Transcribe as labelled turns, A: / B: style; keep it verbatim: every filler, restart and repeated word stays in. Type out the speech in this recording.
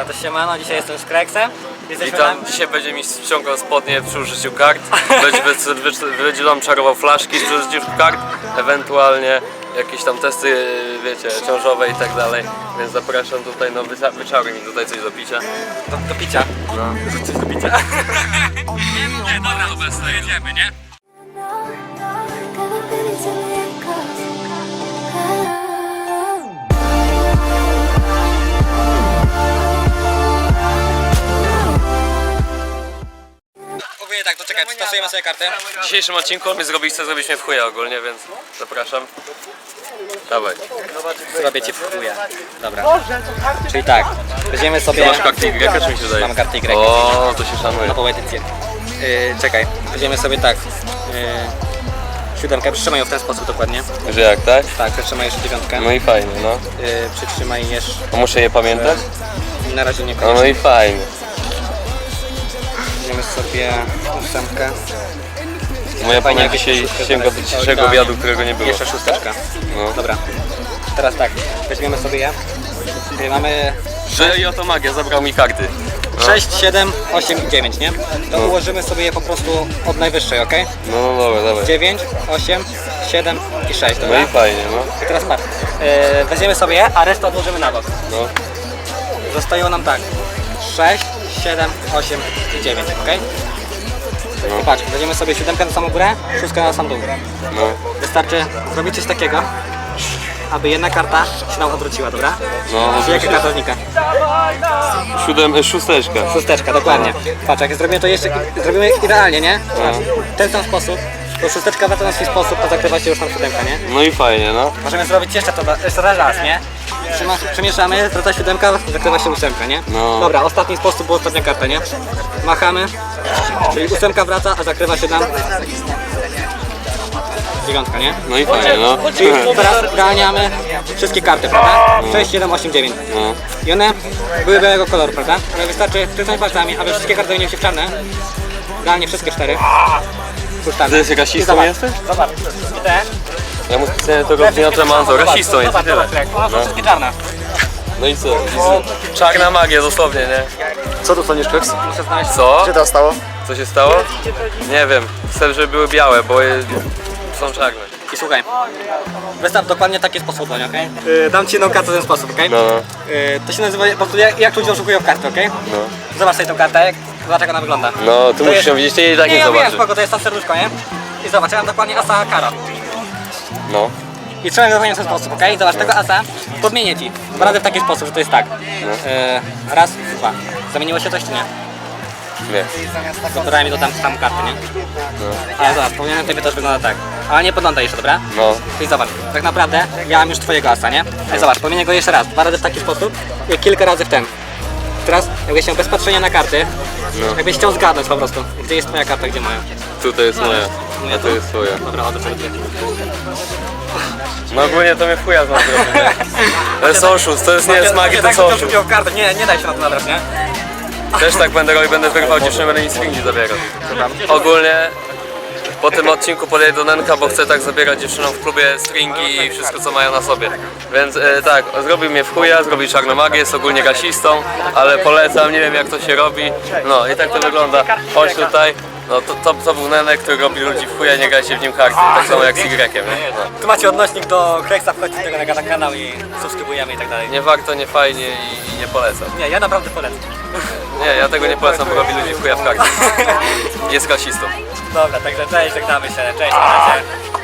A: Dobra, to siemano, dzisiaj jestem z Kreksem.
B: I tam dzisiaj będzie mi ściągał spodnie przy użyciu kart, będzie, będzie nam czarował flaszki przy użyciu kart, ewentualnie jakieś tam testy, wiecie, ciążowe i tak dalej, więc zapraszam tutaj, no wyczaruj mi tutaj coś do picia.
A: Do, do picia?
B: No.
A: Coś do picia?
B: Nie, nie, dobra, obecnie jedziemy, nie?
A: Ogólnie tak, to czekaj, przetasujemy sobie kartę.
B: W dzisiejszym odcinku on mi zrobi, chce zrobić mnie w chuja ogólnie, więc zapraszam. Dawaj.
A: Zrobię ci w chuja. Dobra. Czyli tak, weźmiemy sobie...
B: Ty masz kartę Y, czy mi się daje?
A: Mam kartę Y.
B: O, to się szanuje.
A: Na poetycję. Yy, czekaj, weźmiemy sobie tak. Yy, siódemkę, przytrzymaj ją w ten sposób dokładnie.
B: Że jak, tak?
A: Tak, przytrzymaj jeszcze dziewiątkę.
B: No i fajnie, no.
A: Yy, przytrzymaj jeszcze...
B: A muszę je pamiętać?
A: Na razie nie
B: No,
A: koniecznie.
B: no i fajnie.
A: Weźmiemy sobie ósemkę.
B: Moja
A: Fajnie,
B: pamięć
A: jakieś
B: dzisiaj
A: szóstkę
B: sięga do
A: znaleźć.
B: dzisiejszego
A: Tak.
B: obiadu, którego nie było.
A: Jeszcze szósteczka.
B: No.
A: Dobra. Teraz tak, weźmiemy sobie je. Yy, mamy
B: Że i oto magia, zabrał mi karty. No.
A: sześć, siedem, osiem i dziewięć, nie? To
B: No.
A: ułożymy sobie je po prostu od najwyższej, ok?
B: No, no dobra, dawaj.
A: dziewięć, osiem, siedem i sześć,
B: No
A: dobra?
B: i fajnie, no.
A: I teraz patrz, yy, weźmiemy sobie je, a resztę odłożymy na bok.
B: No.
A: Zostają nam tak, sześć, siedem, osiem i dziewięć, ok?
B: No.
A: I patrz, weźmiemy sobie siódemkę na samą górę, szóstkę na sam dół.
B: No.
A: Wystarczy zrobić coś takiego, aby jedna karta się nam odwróciła, dobra?
B: No,
A: Czyli jaka karta znika?
B: Siódem, e, szósteczka.
A: Szósteczka, dokładnie. Patrz, jak zrobimy to jeszcze, zrobimy idealnie, nie? Patrz, w ten sam sposób, to szósteczka wraca na swój sposób, to zakrywa się już tam siódemka, nie?
B: No i fajnie, no.
A: Możemy zrobić jeszcze to jeszcze raz, nie? Trzyma, przemieszamy, wraca siódemka, zakrywa się ósemka, nie?
B: No.
A: Dobra, ostatni sposób, bo ostatnia karta, nie? Machamy, czyli ósemka wraca, a zakrywa się nam dziewiątka, nie?
B: No i fajnie, no.
A: Czyli teraz ganiamy wszystkie karty, prawda? sześć, siedem, osiem, dziewięć.
B: No.
A: I one były białego koloru, prawda? Ale wystarczy przycisnąć palcami, aby wszystkie karty zamieniły się w czarne. Realnie wszystkie cztery.
B: Ty jesteś rasistą jesteś?
A: Zobacz. I te.
B: Ja mu specjalnie tego gniotę mam, to rasistą jest i
A: Zobacz,
B: tyle.
A: zobacz, one są
B: No.
A: wszystkie czarne.
B: No i co? I czarna magia dosłownie, nie?
C: Co tu sądzisz, Kreks?
A: Muszę znaleźć.
B: Co?
C: Co to stało?
B: Co się stało? Nie wiem. Chcę, żeby były białe, bo je... są czarne.
A: I słuchaj. Wystaw dokładnie takie sposoby, okej? Yy, dam ci jedną kartę w ten sposób, okej?
B: No, no.
A: Yy, to się nazywa po prostu jak, jak ludzie oszukują w karty, okej?
B: No.
A: Zobacz sobie tą kartę, jak, zobacz jak ona wygląda.
B: No, tu
A: To
B: musisz
A: jest-
B: ją widzieć, ty jej tak
A: Nie,
B: nie
A: ja wiem,
B: zobaczysz.
A: spoko, to jest tam serduszko, nie? I zobacz, ja mam dokładnie asa kara.
B: No.
A: I trzeba go w ten sposób, okej? Zobacz, tego asa podmienię ci. Dwa razy w taki sposób, że to jest tak.
B: No.
A: Yy, raz, dwa. Zamieniło się coś czy nie?
B: Nie.
A: To dodaj mi do tam, tam karty, nie?
B: No.
A: Ale zobacz, powinienem tobie też wygląda tak. Ale nie podglądaj jeszcze, dobra?
B: No.
A: I zobacz, tak naprawdę ja mam już twojego asa, nie? Ale zobacz, pomienię go jeszcze raz, dwa razy w taki sposób i kilka razy w ten. Teraz jakbyś chciał bez patrzenia na karty,
B: No.
A: jakbyś chciał zgadnąć po prostu, gdzie jest twoja karta, gdzie moja.
B: Tutaj jest moja,
A: Moja
B: a to jest twoja.
A: Dobra, oto sobie dwie.
B: No ogólnie to mnie w chuja znam zrobić, nie? To jest oszust, to jest nie jest magii, to jest oszust.
A: w kartę, nie, nie daj się na to nabrać, nie?
B: Też tak będę robił, będę wygrywał dziewczynę, będę nic stringi zabierał. Ogólnie po tym odcinku podejdę do Nenka, bo chcę tak zabierać dziewczynom w klubie stringi i wszystko co mają na sobie. Więc e, tak, zrobił mnie w chuja, zrobił czarną magię, jest ogólnie rasistą, ale polecam, nie wiem jak to się robi. No i tak to wygląda. Chodź tutaj. No to, to, to był Nenek, który robi ludzi w chuja, nie grajcie w nim karty. Tak samo jak z Y-iem, nie? No.
A: Tu macie odnośnik do Kreksa, wchodźcie tego na kanał i subskrybujemy i tak dalej.
B: Nie warto, nie fajnie i, i nie polecam.
A: Nie, ja naprawdę polecam.
B: Nie, ja tego nie polecam, bo robi ludzi w chuja w karty. Jest rasistą.
A: Dobra, także cześć, żegnamy się, cześć, na razie.